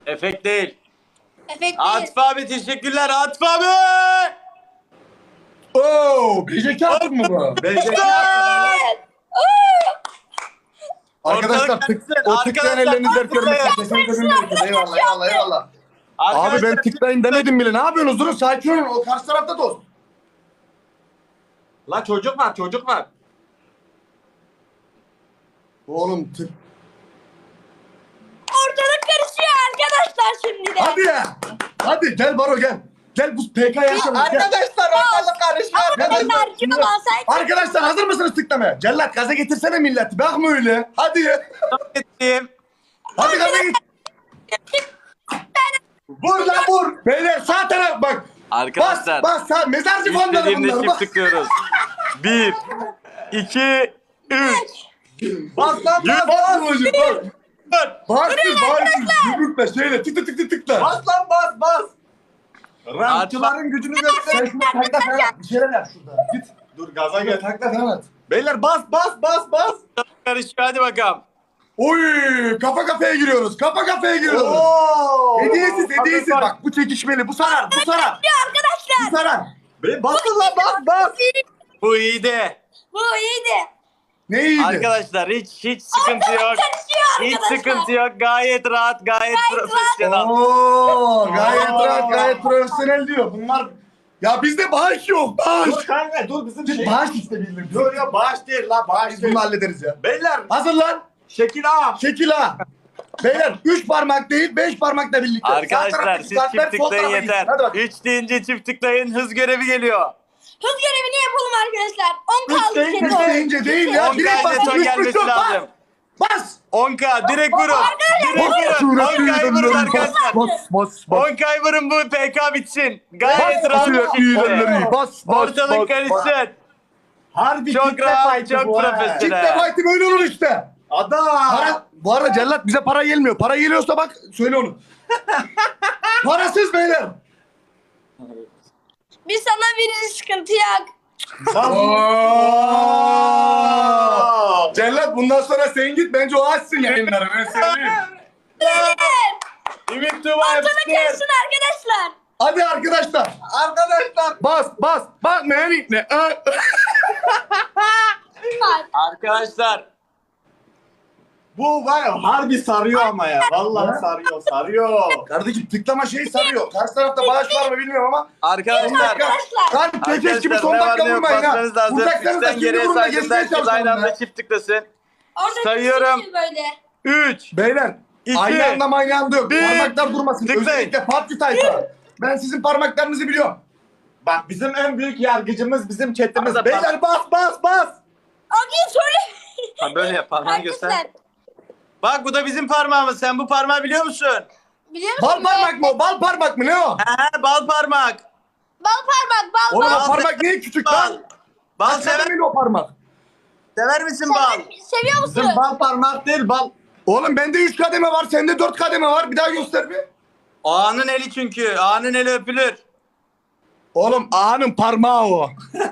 Efekt değil. Efekt değil. Atıf abi teşekkürler Atıf abi. Oo, BJK attın mı bu? BJK. Evet. Arkadaşlar Ortalık karışsın. o tıklayan Arkadaşlar, ellerinizi dert görmek için tıklayın. kesinlikle bilmiyoruz. Eyvallah eyvallah eyvallah. Abi Arkadaşlar, ben tıklayın demedim bile. Ne yapıyorsunuz? Durun sakin olun. O karşı tarafta da olsun. La çocuk var çocuk var. Oğlum tık. Ortalık karışıyor arkadaşlar şimdi de. Hadi ya. Hadi gel Baro gel. Gel bu PK yaşamış. Gel. Arkadaşlar ortalık karışıyor. Arkadaşlar kim olsaydı? Arkadaşlar hazır mısınız tıklamaya? Cellat gaza getirsene milleti. Bakma öyle. Hadi. Gittim. Hadi gaza git. Vur lan vur. Beyler sağ taraf bak. Arkadaşlar. Bas sağ. Mezarcı fonları İstediğimde bunlar. çift Bas. tıklıyoruz. 1, 2, 3. Bas lan bas. Bas hocam bas. Bas arkadaşlar. yumrukla şeyle tık tık tık tık tıkla. Bas lan bas bas. Rampçıların gücünü göster. Sen şuna takla falan at. Bir şeyler yap şurada. Git. Dur gaza Takla gel. takla falan at. Beyler bas bas bas bas. Karışıyor hadi bakalım. Oy kafa kafaya giriyoruz. Kafa kafaya giriyoruz. Oo. Hediyesiz. Bak bu çekişmeli. Bu sarar. Bu sarar. Arkadaşlar. Bu sarar. Basın lan bas bas. Bu iyiydi. Bu iyiydi. Ne iyiydi? Arkadaşlar hiç sıkıntı yok. Karışıyor Hiç arkadaşlar. sıkıntı yok. Gayet rahat, gayet profesyonel. Oo, gayet Oo. rahat, gayet profesyonel diyor. Bunlar ya bizde bağış yok. Bağış. Dur kanka dur bizim Biz bağış isteyelim. Dur ya bağış değil la bağış Biz değil. bunu hallederiz ya. Beyler Hazır lan. şekil ağa. Şekil ha. Beyler 3 parmak değil 5 parmakla birlikte. Sağ Arkadaşlar taraftaki siz kartlar, çift sol tıklayın tarafa gitsin. yeter. Hadi bak. 3 deyince çift tıklayın hız görevi geliyor. Hız görevini yapalım arkadaşlar. 10 kaldı. deyince- Şenol. Üç deyince değil ya. 10 Direkt bas. son Üç, gelmesi üç, yok. lazım. Bas. 10k direkt vurun. Direkt vurun. 10k'yı vurun arkadaşlar. Bas. 10k'yı vurun bu PK bitsin. Gayet rahat bir şekilde. Bas. Ortalık karışsın. Harbi Çok kitle rahat, fight'ı çok bu ha. profesyonel. Kitle fight'i böyle olur işte. Adam. Para, bu arada Cellat bize para gelmiyor. Para geliyorsa bak söyle onu. Parasız beyler. Biz sana veririz sıkıntı yok. Oo. Cellat bundan sonra sen git bence o açsın yayınları ben söyleyeyim. Ümit Tuba Ortalık yapıştır. karışsın arkadaşlar. Hadi arkadaşlar. Arkadaşlar. Bas. Bak ne? Arkadaşlar. Bu var ya harbi sarıyor ama ya. Vallahi sarıyor. Kardeşim tıklama şeyi sarıyor. Karşı tarafta bağış var mı bilmiyorum ama. Arkadaşlar. Arkadaşlar. Lan kekeş gibi son ne var dakika ne yok vurmayın ha. basmanız lazım. Vuracaksanız da 3'ten şimdi geriye vurun da saydığında geçmeye herkes aynı çalışalım anda ya. çift tıklasın. Orada Sayıyorum. böyle. 3. Beyler. İki. Aynı anda aynı anda yok. Bir. Parmaklar durmasın. Tıklayın. Özellikle PUBG tayfa. Ben sizin parmaklarınızı biliyorum. Bak bizim en büyük yargıcımız bizim chatimiz. Arada Beyler bas. Abi söyle. Ha böyle yap parmağını göster. Arkadaşlar. Bak bu da bizim parmağımız. Sen bu parmağı biliyor musun? Biliyor musun? Bal parmak mı o? Bal parmak mı ne o? He bal parmak. Bal parmak bal Oğlum bal. o parmak niye küçük Bal. lan? Bal Sever sever, mi o parmak? sever misin bal? Seviyor musun? Bizim bal parmak değil bal. Oğlum bende 3 kademe var, sende 4 kademe var. Bir daha göster bir. Ağanın eli çünkü. Ağanın eli öpülür. Oğlum ağanın parmağı o.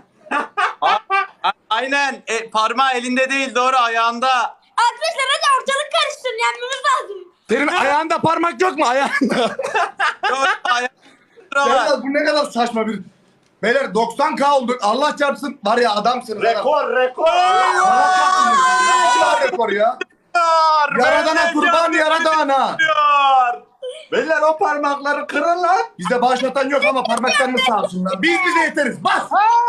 Aynen. Parmağı elinde değil doğru ayağında. Arkadaşlar hadi ortalık karışsın yenmemiz lazım. Senin ayağında parmak yok mu ayağında? Doğru ayağında. Celal, bu ne kadar saçma bir... Beyler 90k olduk. Allah çarpsın. Var ya adamsın. Rekor. Allah çarpsın. Ne rekor ya? Yaradana Benden kurban canlı yaradana. diyor. Beyler o parmakları kırın lan. Bizde bağışlatan yok ama parmaklarını sağ olsunlar. Biz bize yeteriz. Bas.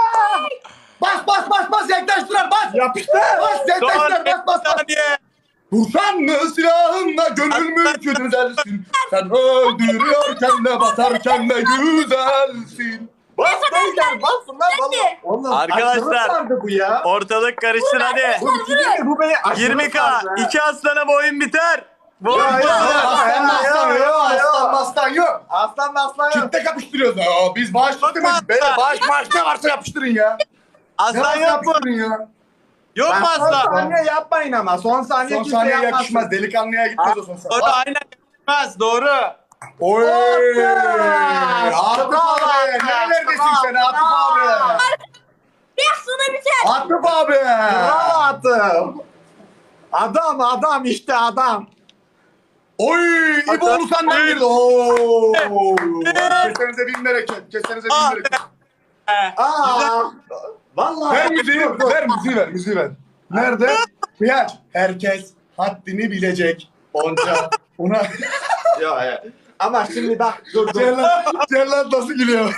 Bas yaklaştılar bas. Yapıştır. Bas yaklaştılar Son bas. saniye. Vursan mı silahınla gönül mülkü düzelsin. Sen öldürüyorken de basarken de güzelsin. Bas beyler basın lan Hadi. valla. Oğlum, Arkadaşlar. aşırı sardı bu ya. Ortalık karışsın hadi. Bu iki değil mi? Bu beni aşırı 20k. sardı ha. 2 aslana bu oyun biter. Bu oyun Ya, biter. Aslan maslan yok. Aslan maslan yok. Aslan aslan yok. Kitle kapıştırıyoruz. Aa, biz bağış Bakma. demedik. Beyler bağış maaş ne varsa yapıştırın ya. Ne Aslan varsa yok mu? yapıştırın ya. Yok mu Bak, son aslan? saniye yapmayın ama. Son saniye Son kimse saniye yapmasın. yakışmaz. Delikanlıya gitmez o son Doğru saniye. aynen yapmaz doğru. Oy! Aferin. Atıf abi! Nerelerdesin sen Atıf abi? Biraz sonra biter. Atıf abi! Bravo Atım. Adam işte adam. Oy! İboğlu senden girdi. Oo! Kesenize bin bereket. Kesenize bin bereket. Aa. Vallahi. Ver müziği, ver müziği ver, müziği ver. Nerede? Kıyaç. Herkes haddini bilecek. Onca. Ona... Yok ya. Ama şimdi bak dur. Cellat nasıl gülüyor?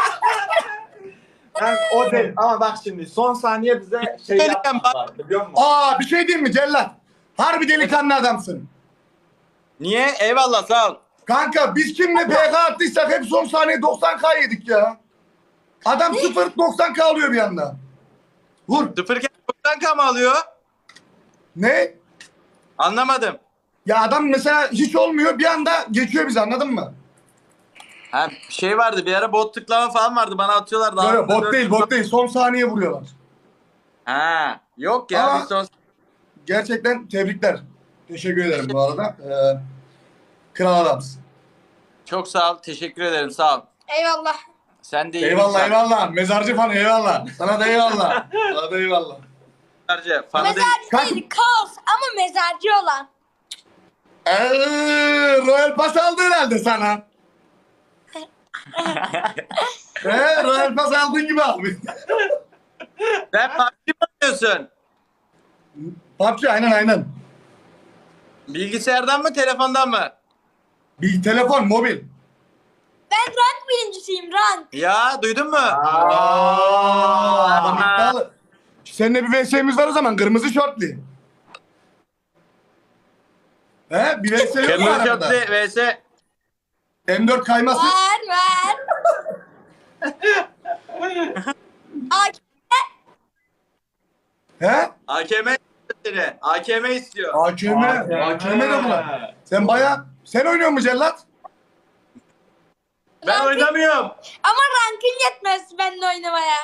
Ben o değil. Ama bak şimdi son saniye bize şey yaptılar biliyor musun? Aa bir şey diyeyim mi Cellat? Harbi delikanlı adamsın. Niye? Eyvallah sağ ol. Kanka biz kimle PK attıysak hep son saniye 90k yedik ya. Adam 0-90k alıyor bir anda. Vur. Sıfırken 90k mı alıyor? Ne? Anlamadım. Ya adam mesela hiç olmuyor bir anda geçiyor bizi anladın mı? Ha bir şey vardı bir ara bot tıklama falan vardı bana atıyorlar. Daha Yok bot değil bot değil son saniye vuruyorlar. Ha yok ya Ama- biz son... Gerçekten tebrikler. Teşekkür ederim bu arada. Kral adamsın. Çok sağ ol. Teşekkür ederim sağ ol. Eyvallah. Sen de iyi Eyvallah insan. eyvallah. Mezarcı fanı eyvallah. Sana da eyvallah. Sana da eyvallah. Mezarcı. Fanı değil. Mezarcı değil kaos ama mezarcı olan. Royal Pass aldı herhalde sana. Royal Pass aldığın gibi abi. Sen PUBG mi oynuyorsun? PUBG aynen. Bilgisayardan mı telefondan mı? Bir telefon mobil. Ben rank birincisiyim rank. Ya duydun mu? Adam iddialı. Seninle bir VS'miz var o zaman kırmızı şortlu. He bir VS yok mu Kırmızı arada? şortlu vs. M4 kayması. Var. Ak- He? AKM istiyor. AKM istiyor. AKM. AKM de bu lan. Sen sen oynuyor musun Cellat? Ben oynamıyorum. Ama rankın yetmez benimle oynamaya.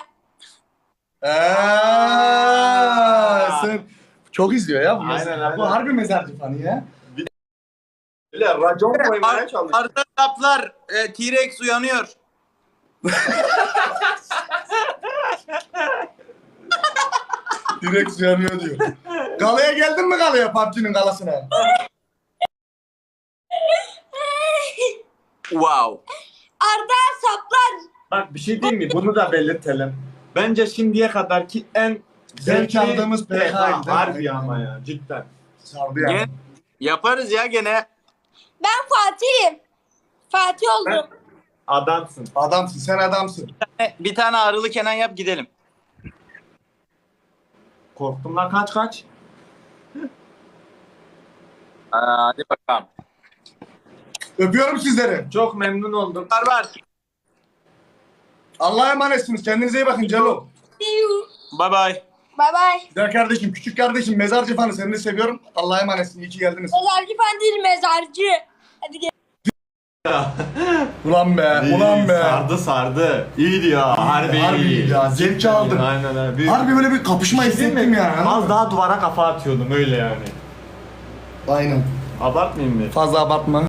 Sen çok izliyor ya bu. Aynen. Bu harbi mezarcı fanı ya. Öyle racon koymaya çalışıyor. Arda kaplar. T-Rex uyanıyor. Direkt yanıyor diyor. Galaya geldin mi galaya PUBG'nin galasına? Wow. Arda saplar. Bak bir şey diyeyim mi? Bunu da belirtelim. Bence şimdiye kadarki en Zevk aldığımız PK 'ydi, değil mi? harbi ama ya cidden. Sardı yani. Gene, yaparız ya gene. Ben Fatih'im. Fatih oldum. Adamsın. Adamsın sen adamsın. Bir tane ağrılı Kenan yap gidelim. Korktum lan kaç. Hadi bakalım. Öpüyorum sizleri. Çok memnun oldum. Var. Allah'a emanetsiniz. Kendinize iyi bakın Celo. See you. Bye bye. Bye bye. Güzel kardeşim, küçük kardeşim, mezarcı fanı seni de seviyorum. Allah'a emanetsin. İyi ki geldiniz. Mezarcı falan değil mezarcı. Hadi gel. Ulan be. Sardı. İyiydi ya. Harbi iyi ya. Zevk aldım. Aynen öyle. Harbi böyle bir kapışma hissettim ya. Az daha duvara kafa atıyordum öyle yani. Aynen. Abartmayayım mı? Fazla abartma.